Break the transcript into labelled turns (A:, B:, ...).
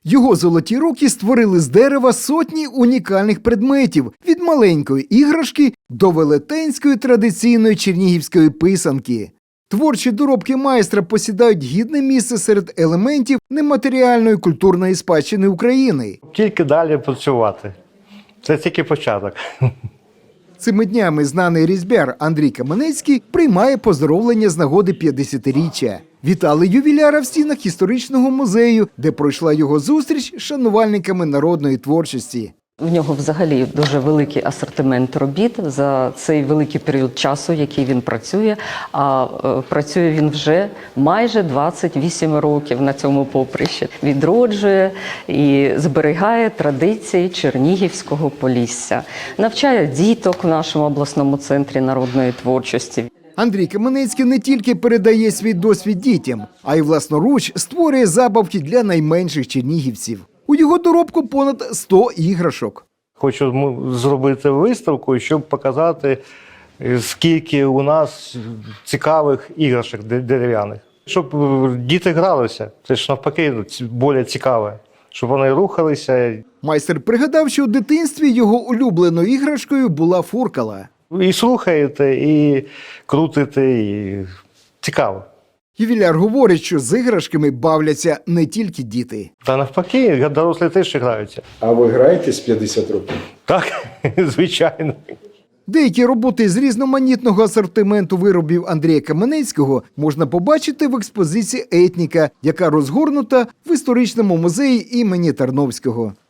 A: Його золоті руки створили з дерева сотні унікальних предметів – від маленької іграшки до велетенської традиційної чернігівської писанки. Творчі доробки майстра посідають гідне місце серед елементів нематеріальної культурної спадщини України.
B: Тільки далі працювати. Це тільки початок.
A: Цими днями знаний різьбяр Андрій Каменецький приймає поздоровлення з нагоди 50-річчя. Вітали ювіляра в стінах історичного музею, де пройшла його зустріч з шанувальниками народної творчості.
C: В нього взагалі дуже великий асортимент робіт за цей великий період часу, який він працює. А працює він вже майже 28 років на цьому поприщі. Відроджує і зберігає традиції Чернігівського Полісся. Навчає діток в нашому обласному центрі народної творчості.
A: Андрій Каменецький не тільки передає свій досвід дітям, а й власноруч створює забавки для найменших чернігівців. У його доробку понад 100 іграшок.
B: Хочу зробити виставку, щоб показати, скільки у нас цікавих іграшок дерев'яних. Щоб діти гралися, це ж навпаки більш цікаве, щоб вони рухалися.
A: Майстер пригадав, що у дитинстві його улюбленою іграшкою була фуркала.
B: І слухаєте, і крутите, і цікаво.
A: Ювіляр говорить, що з іграшками бавляться не тільки діти.
B: Та навпаки, дорослі теж граються.
D: А ви граєте з 50 років?
B: Так, звичайно.
A: Деякі роботи з різноманітного асортименту виробів Андрія Каменецького можна побачити в експозиції «Етніка», яка розгорнута в історичному музеї імені Тарновського.